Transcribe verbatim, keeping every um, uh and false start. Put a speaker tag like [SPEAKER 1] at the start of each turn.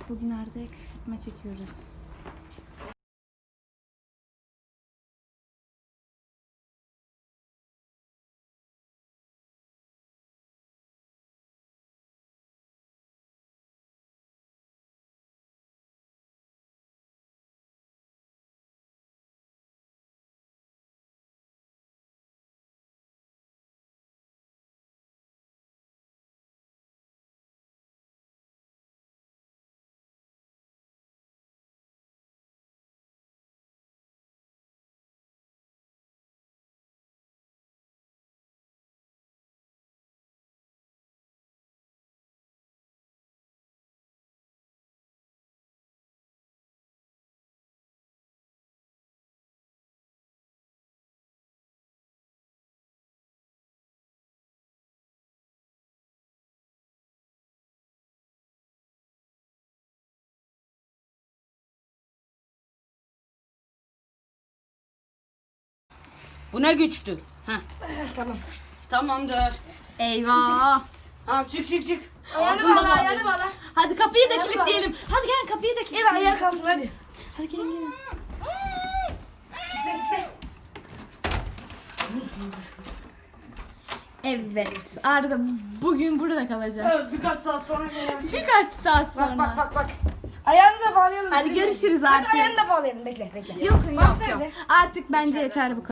[SPEAKER 1] Bugün Arda'ya kışkırtma çekiyoruz.
[SPEAKER 2] Bu ne güçtü? Heh.
[SPEAKER 3] Tamam.
[SPEAKER 2] Tamamdır.
[SPEAKER 1] Eyvah.
[SPEAKER 2] Tamam çık çık çık.
[SPEAKER 3] Ayağını
[SPEAKER 2] Ağzını da
[SPEAKER 3] bağla, ayağını
[SPEAKER 2] bağla.
[SPEAKER 3] bağla.
[SPEAKER 1] Hadi kapıyı da
[SPEAKER 3] Hadi
[SPEAKER 1] kilitleyelim. Hadi gel kapıyı da
[SPEAKER 3] Gel
[SPEAKER 1] kilitleyelim.
[SPEAKER 3] ayağa kalsın hadi.
[SPEAKER 1] Hadi gelin gelin.
[SPEAKER 3] Kitle kitle.
[SPEAKER 1] Evet. Arda bugün burada kalacak.
[SPEAKER 2] Evet birkaç saat sonra gelen.
[SPEAKER 1] Birkaç saat sonra.
[SPEAKER 3] Bak bak bak bak. Ayağını da bağlayalım.
[SPEAKER 1] Hadi görüşürüz
[SPEAKER 3] Hadi
[SPEAKER 1] artık.
[SPEAKER 3] ayağını da bağlayalım. Bekle bekle.
[SPEAKER 1] Yok yok
[SPEAKER 3] Bak
[SPEAKER 1] yok.
[SPEAKER 3] nerede?
[SPEAKER 1] Artık bence yeter bu kadar.